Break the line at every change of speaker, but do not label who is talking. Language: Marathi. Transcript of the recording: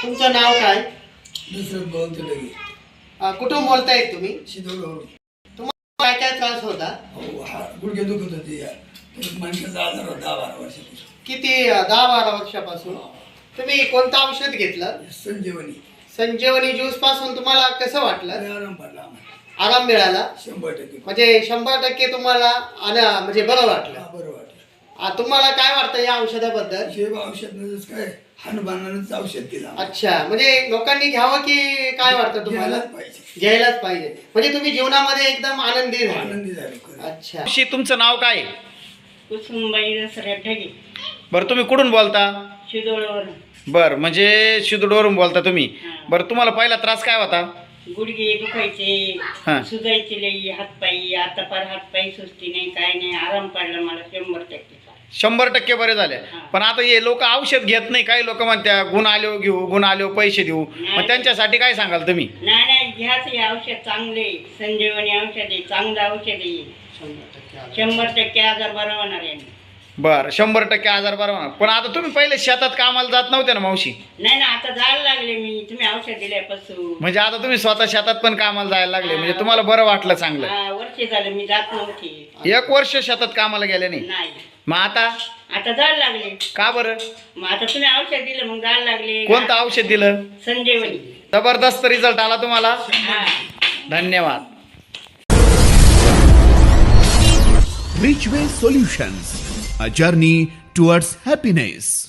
तुमचं नाव काय?
दुसरं बोलतो लगे
कुठून बोलतायत तुम्ही?
शिदोळवरून.
तुम्हाला काय काय त्रास होता?
हो हा गुडघे दुखत होते या माणसाचा आजार होता 10-12 वर्षापासून.
किती 10-12 वर्षापासून? तुम्ही कोणतं औषध घेतलं?
संजीवनी
संजीवनी ज्यूस पासून तुम्हाला कसं वाटलं?
लय आराम पडला आम्हाला
आराम मिळाला?
100%.
म्हणजे 100% तुम्हाला म्हणजे बरं वाटलं?
हा, बरं वाटलं.
तुम्हाला काय वाटतं या औषधाबद्दल?
हे औषध नच काय हनुमानानंच औषध दिलं आम्हाला.
अच्छा, म्हणजे लोकांनी घ्यावं की काय वाटतं तुम्हाला?
घ्यायलाच पाहिजे.
घ्यायलाच पाहिजे. म्हणजे तुम्ही जीवनामध्ये एकदम आनंदी झाले.
आनंदी झालो खरं.
अच्छा.
तुमचं नाव काय?
कुसुमबाई दसऱ्या ढगे
बरं तुम्ही कुठून बोलता?
शिदोळवरून.
बरं म्हणजे शिदोडवरून बोलता तुम्ही.
हा.
बरं तुम्हाला पहिला त्रास काय होता?
गुडघे दुखायचे,
हा.
सुजायचे लई हातपायी. आता पार हातपायी सुस्ती नाही, काय नाही, आराम पडला मला 100%.
100% बरे झाले.
हा.
पण आता हे लोक औषध घेत नाही. काही लोक म्हणत्या गुण आलो घेऊ, गुण आलो पैसे देऊ. मग त्यांच्यासाठी काय सांगाल तुम्ही?
नाही नाही, घ्याच हे औषध चांगले, संजीवनी औषध आहे, चांगलं औषध आहे. 100% आजार बरा होणार आहे.
बरं 100% आजार बरा होणार. पण आता तुम्ही पहिले शेतात कामाला जात नव्हते ना मावशी?
नाही ना, आता जायला लागले मी, तुम्ही औषध दिल्यापासून.
म्हणजे आता तुम्ही स्वतः शेतात पण कामाला जायला लागले. म्हणजे तुम्हाला बरं वाटलं चांगलं.
वर्ष झालं मी जात नव्हती.
1 वर्ष शेतात कामाला गेले नाही.
नाही,
मग आता
आता जायला लागले.
का बरं?
मग आता तुम्ही औषध दिलं मग जायला लागले.
कोणतं औषध दिलं?
संजीवनी.
जबरदस्त रिझल्ट आला तुम्हाला.
हा.
धन्यवाद.
Richway Solutions, a journey towards happiness.